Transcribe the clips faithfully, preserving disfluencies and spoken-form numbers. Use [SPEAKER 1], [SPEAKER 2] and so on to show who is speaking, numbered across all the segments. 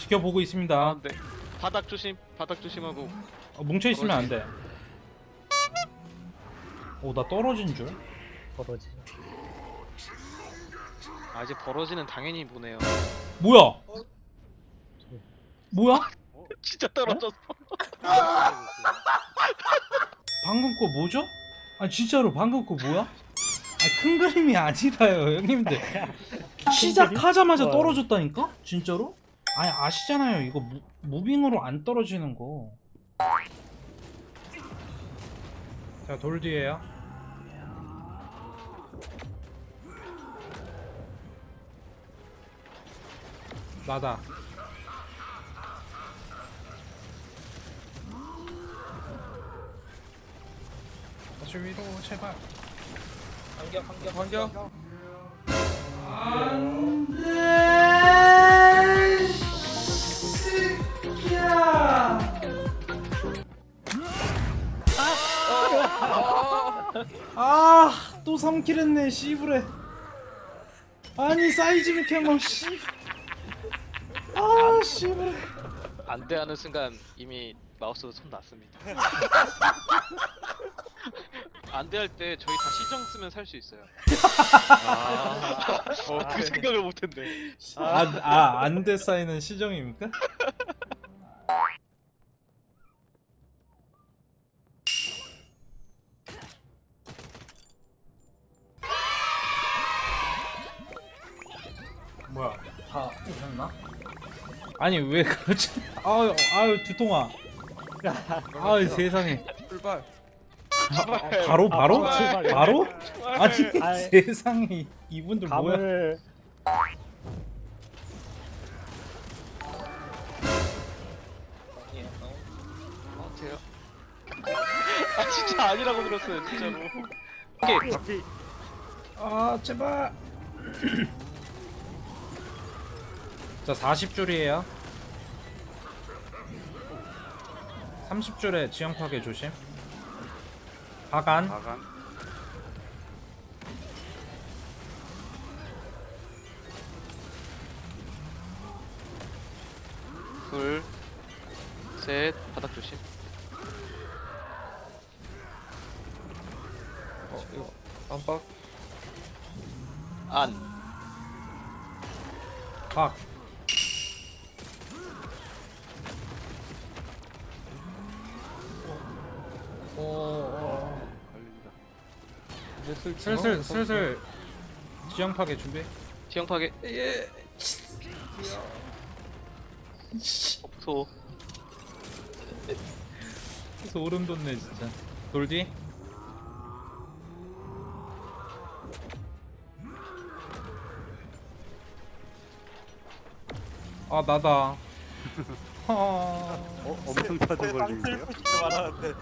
[SPEAKER 1] 지켜보고 있습니다.
[SPEAKER 2] 아, 네. 바닥 조심. 바닥 조심하고.
[SPEAKER 1] 어, 뭉쳐 있으면 안 돼. 오, 나 떨어진 줄.
[SPEAKER 3] 벌어지.
[SPEAKER 2] 아 이제 벌어지는 당연히 보네요.
[SPEAKER 1] 뭐야? 뭐야?
[SPEAKER 2] 진짜 떨어졌어.
[SPEAKER 1] 방금 거 뭐죠? 아 진짜로 방금 거 뭐야? 아 큰 그림이 아니라요 형님들. 시작하자마자
[SPEAKER 3] 와.
[SPEAKER 1] 떨어졌다니까? 진짜로? 아니 아시잖아요 이거 무, 무빙으로 안 떨어지는 거. 자 돌 뒤에요. 나다. 다시 위로 제발.
[SPEAKER 2] 반격 반격 반격.
[SPEAKER 1] 안돼 새끼야. 아또 삼 킬 했네 씨부레. 아니 사이즈 캐머 씨. 아 씨부레.
[SPEAKER 2] 안돼 하는 순간 이미 마우스 손 놨습니다. 안돼 할 때 저희 다 시정 쓰면 살 수 있어요. 아, 어, 그 생각을 못했네.
[SPEAKER 1] 아 안돼 사이는 시정입니까? 뭐야 다 오셨나? 아니 왜 그러지? 아유 아유 두통아. 아유 세상에.
[SPEAKER 4] 출발.
[SPEAKER 1] 아, 바로 바로?
[SPEAKER 3] 아, 출발.
[SPEAKER 1] 바로? 아니
[SPEAKER 3] 아이.
[SPEAKER 1] 세상에 이분들 뭐야?
[SPEAKER 3] 감을
[SPEAKER 2] 어, 돼요. 아 진짜 아니라고 들었어요 진짜로. 오케이.
[SPEAKER 3] 바퀴
[SPEAKER 1] 아 제발. 자 사십 줄이에요. 삼십 줄에 지형 파괴 조심. 바간.
[SPEAKER 4] 마간.
[SPEAKER 2] 둘, 셋, 바닥 조심.
[SPEAKER 4] 어 이거 깜빡.
[SPEAKER 2] 안.
[SPEAKER 1] 박. 오.
[SPEAKER 4] 걸린다.
[SPEAKER 1] 슬슬 슬슬 지형 파괴 준비.
[SPEAKER 2] 지형 파괴.
[SPEAKER 1] 예.
[SPEAKER 2] 어, 무서워.
[SPEAKER 1] 소름 돋네 진짜. 돌디. 아 나다. 아,
[SPEAKER 4] 어 엄청 차도 걸리는데요?
[SPEAKER 5] 말하는데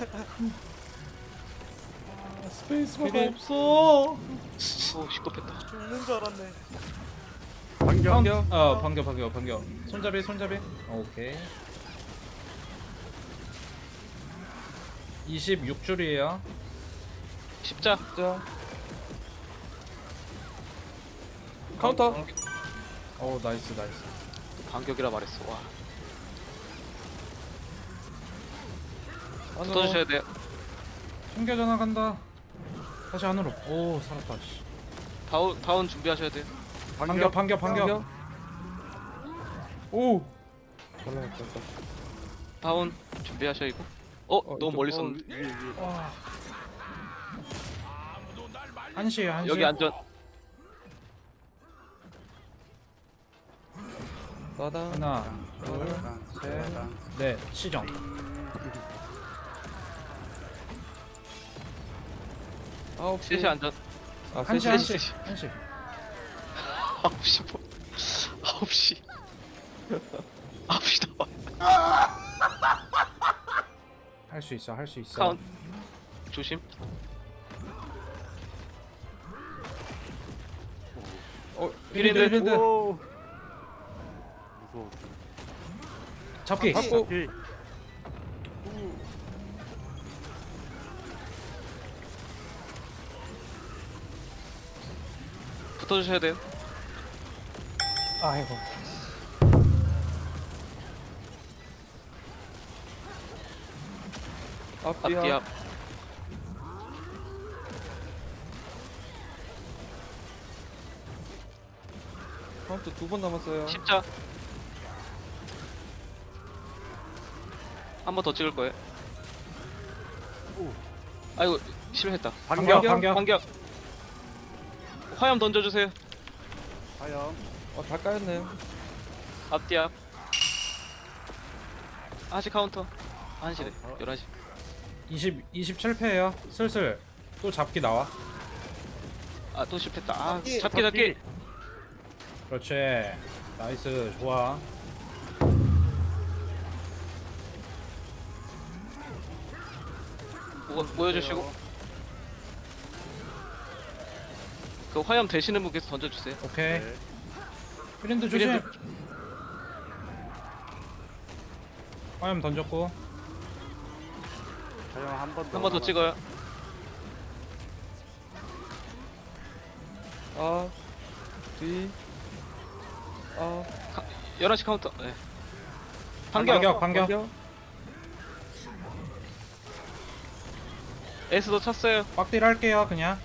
[SPEAKER 1] 스페이스바가
[SPEAKER 2] 그래.
[SPEAKER 1] 없어.
[SPEAKER 2] 오 시끄럽다.
[SPEAKER 5] 죽는 줄 알았네.
[SPEAKER 4] 반격.
[SPEAKER 1] 반겨. 어 반겨 반겨 반겨. 손잡이 손잡이. 오케이. 이십육 줄이에요.
[SPEAKER 2] 십자.
[SPEAKER 4] 자. 카운터.
[SPEAKER 1] 오 나이스 나이스.
[SPEAKER 2] 반격이라 말했어. 와.
[SPEAKER 4] 안으로.
[SPEAKER 2] 붙어주셔야 돼요.
[SPEAKER 1] 숨겨 전화 간다. 다시 안으로. 오 살았다. 씨.
[SPEAKER 2] 다운 다운 준비하셔야 돼요.
[SPEAKER 1] 반겨 반겨 반겨. 오.
[SPEAKER 4] 잘 나갔다.
[SPEAKER 2] 다운 준비하셔 이거. 어,
[SPEAKER 4] 어,
[SPEAKER 2] 너무
[SPEAKER 4] 이쪽,
[SPEAKER 2] 멀리
[SPEAKER 4] 어,
[SPEAKER 2] 있었는데.
[SPEAKER 4] 위에, 위에.
[SPEAKER 1] 와. 한시에 한시.
[SPEAKER 2] 여기 안전.
[SPEAKER 4] 마당.
[SPEAKER 1] 하나, 둘,
[SPEAKER 4] 마당.
[SPEAKER 1] 셋,
[SPEAKER 4] 마당.
[SPEAKER 1] 넷. 시정.
[SPEAKER 4] 아홉 시.
[SPEAKER 2] 셋이 안전.
[SPEAKER 4] 아
[SPEAKER 1] 한시
[SPEAKER 4] 셋이.
[SPEAKER 1] 한시
[SPEAKER 2] 셋이.
[SPEAKER 1] 한시.
[SPEAKER 2] 아홉 시 뭐. 아홉 시. 아홉 시 나와.
[SPEAKER 1] 할 수 있어 할 수 있어.
[SPEAKER 2] 카운. 조심.
[SPEAKER 4] 어
[SPEAKER 2] 피리드.
[SPEAKER 1] 피리드.
[SPEAKER 4] 오. 무서워.
[SPEAKER 1] 잡기.
[SPEAKER 4] 잡고.
[SPEAKER 3] 바퀴
[SPEAKER 2] 붙어주셔야 돼요.
[SPEAKER 3] 아이고
[SPEAKER 4] 앞뒤
[SPEAKER 2] 앞뒤
[SPEAKER 4] 앞.
[SPEAKER 2] 앞.
[SPEAKER 4] 카운트 두 번 남았어요.
[SPEAKER 2] 십자. 한 번 더 찍을 거예요. 아이고 실패했다.
[SPEAKER 1] 반격,
[SPEAKER 4] 반격.
[SPEAKER 1] 반격.
[SPEAKER 2] 반격. 화염 던져주세요.
[SPEAKER 3] 화염.
[SPEAKER 4] 어, 다 까였네요.
[SPEAKER 2] 앞뒤 앞. 한시 카운터. 한시래.
[SPEAKER 3] 어.
[SPEAKER 2] 열한 시.
[SPEAKER 1] 이십, 이십칠 패예요. 슬슬 또 잡기 나와.
[SPEAKER 2] 아 또 실패했다. 아
[SPEAKER 3] 잡기,
[SPEAKER 2] 잡기 잡기.
[SPEAKER 1] 그렇지. 나이스, 좋아.
[SPEAKER 2] 모, 모여주시고. 그 화염 되시는 분께서 던져주세요.
[SPEAKER 1] 오케이.
[SPEAKER 3] 네.
[SPEAKER 1] 프린드 조심.
[SPEAKER 2] 프린드.
[SPEAKER 1] 화염 던졌고.
[SPEAKER 3] 화염 한 번 더.
[SPEAKER 2] 한 번 더 찍어요.
[SPEAKER 4] 아, 뒤. 아,
[SPEAKER 2] 열한 시 카운터. 네. 반격.
[SPEAKER 1] 반격, 반격.
[SPEAKER 4] 반격.
[SPEAKER 2] 에스도 찼어요.
[SPEAKER 1] 빡딜 할게요, 그냥.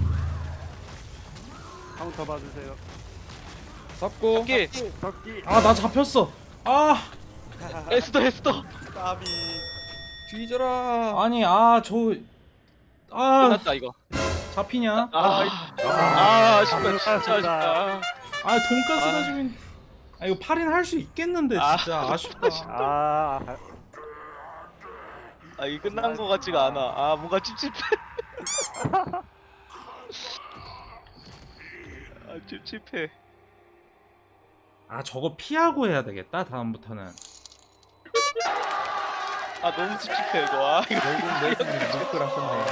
[SPEAKER 3] 카운터 봐주세요.
[SPEAKER 4] 잡고.
[SPEAKER 2] 잡기.
[SPEAKER 3] 덕기.
[SPEAKER 1] 아, 나 잡혔어. 아,
[SPEAKER 2] 에스도 에스도.
[SPEAKER 3] 까비.
[SPEAKER 4] 뒤져라.
[SPEAKER 1] 아니, 아, 저. 아,
[SPEAKER 2] 끝났다 이거.
[SPEAKER 1] 잡히냐?
[SPEAKER 2] 아, 아, 아쉽다. 진짜 아쉽다.
[SPEAKER 1] 아, 돈가스
[SPEAKER 2] 아.
[SPEAKER 1] 다주면. 아, 이거 팔 인 할 수 있겠는데,
[SPEAKER 2] 아.
[SPEAKER 1] 진짜. 아쉽다.
[SPEAKER 3] 아.
[SPEAKER 2] 아, 이 끝난 거 같지가 않아. 아, 뭔가 찝찝해. 아, 찝찝해.
[SPEAKER 1] 아, 저거 피하고 해야 되겠다, 다음부터는.
[SPEAKER 2] 아, 너무 찝찝해 이거. 아, 이거.
[SPEAKER 4] 결국 내신이 무릎을 하셨네.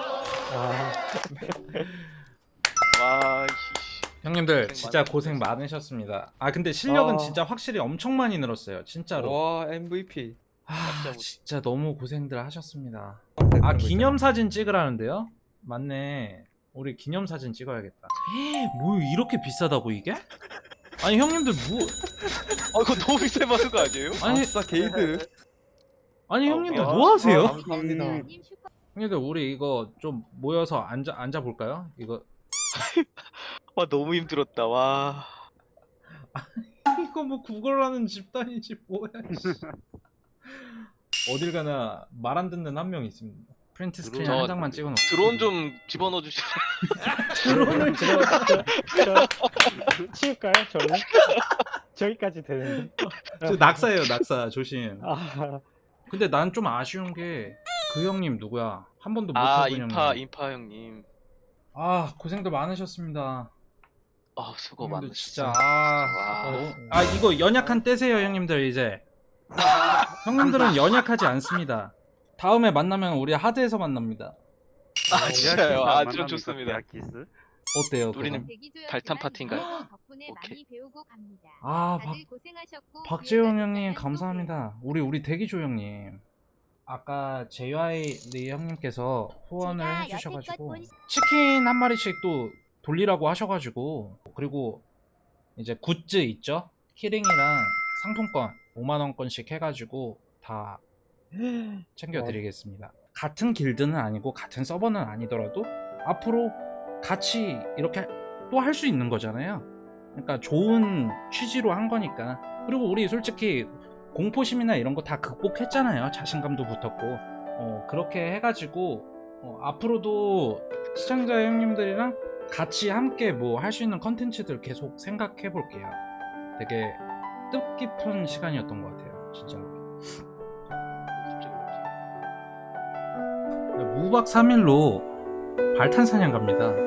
[SPEAKER 2] 와, 씨.
[SPEAKER 1] 형님들,
[SPEAKER 2] 고생
[SPEAKER 1] 진짜
[SPEAKER 2] 많으셨어요.
[SPEAKER 1] 고생 많으셨습니다. 아, 근데 실력은
[SPEAKER 4] 아.
[SPEAKER 1] 진짜 확실히 엄청 많이 늘었어요, 진짜로.
[SPEAKER 4] 와, 엠브이피.
[SPEAKER 1] 아,
[SPEAKER 2] 진짜
[SPEAKER 1] 진짜 너무 고생들 하셨습니다. 아,
[SPEAKER 4] 그런 거
[SPEAKER 1] 기념사진 찍으라는데요? 맞네. 우리 기념사진 찍어야겠다. 뭐 이렇게 비싸다고 이게? 아니 형님들 뭐
[SPEAKER 2] 아, 이거 너무 비싸게 받은 거 아니에요?
[SPEAKER 1] 아니
[SPEAKER 4] 아싸 게이드.
[SPEAKER 1] 아니
[SPEAKER 2] 어,
[SPEAKER 1] 형님들
[SPEAKER 2] 야.
[SPEAKER 1] 뭐 하세요?
[SPEAKER 4] 아, 감사합니다.
[SPEAKER 1] 형님들 우리 이거 좀 모여서 앉아 앉아 볼까요? 이거
[SPEAKER 2] 와, 너무 힘들었다. 와.
[SPEAKER 1] 이거 뭐 구걸하는 집단이지 뭐야. 씨. 어딜 가나 말 안 듣는 한 명 있습니다. 프린트 스크린
[SPEAKER 2] 저
[SPEAKER 1] 한 장만 찍어놓고
[SPEAKER 2] 드론 좀 집어넣어 주시면.
[SPEAKER 1] 드론을 찍어.
[SPEAKER 5] 치울까요? 저는? 저기까지 되는데.
[SPEAKER 1] 저 낙사예요 낙사 조심.
[SPEAKER 5] 아,
[SPEAKER 1] 근데 난 좀 아쉬운 게 그 형님 누구야? 한 번도 못
[SPEAKER 2] 아,
[SPEAKER 1] 해본
[SPEAKER 2] 인파
[SPEAKER 1] 형님.
[SPEAKER 2] 인파 형님.
[SPEAKER 1] 아 고생들 많으셨습니다.
[SPEAKER 2] 아, 수고
[SPEAKER 1] 형님들
[SPEAKER 2] 많으셨어.
[SPEAKER 1] 진짜 아,
[SPEAKER 2] 와.
[SPEAKER 1] 너무- 아 이거 연약한 때세요 형님들 이제. 형님들은 연약하지 않습니다. 다음에 만나면 우리 하드에서 만납니다.
[SPEAKER 2] 아, 진짜요. 아, 드론 좋습니다.
[SPEAKER 3] 기스.
[SPEAKER 1] 어때요?
[SPEAKER 2] 우리는
[SPEAKER 1] 그건?
[SPEAKER 2] 발탄 파티인가요?
[SPEAKER 6] 덕분에
[SPEAKER 2] 오케이.
[SPEAKER 6] 많이 배우고 갑니다.
[SPEAKER 1] 아 박,
[SPEAKER 6] 다들 고생하셨고
[SPEAKER 1] 박재용
[SPEAKER 6] 기회가
[SPEAKER 1] 형님
[SPEAKER 6] 있다면 또
[SPEAKER 1] 감사합니다. 우리 우리 대기조 형님. 아까 제이와이 리 형님께서 후원을
[SPEAKER 6] 제가
[SPEAKER 1] 해주셔가지고
[SPEAKER 6] 여태껏 본-
[SPEAKER 1] 치킨 한 마리씩 또 돌리라고 하셔가지고 그리고 이제 굿즈 있죠? 키링이랑 상품권 오만 원권씩 해가지고 다 챙겨드리겠습니다. 같은 길드는 아니고 같은 서버는 아니더라도 앞으로 같이 이렇게 또 할 수 있는 거잖아요. 그러니까 좋은 취지로 한 거니까. 그리고 우리 솔직히 공포심이나 이런 거 다 극복했잖아요. 자신감도 붙었고 어, 그렇게 해가지고 어, 앞으로도 시청자 형님들이랑 같이 함께 뭐 할 수 있는 컨텐츠들 계속 생각해 볼게요. 되게 뜻깊은 시간이었던 것 같아요. 진짜로. 무박 삼 일로 발탄 사냥 갑니다.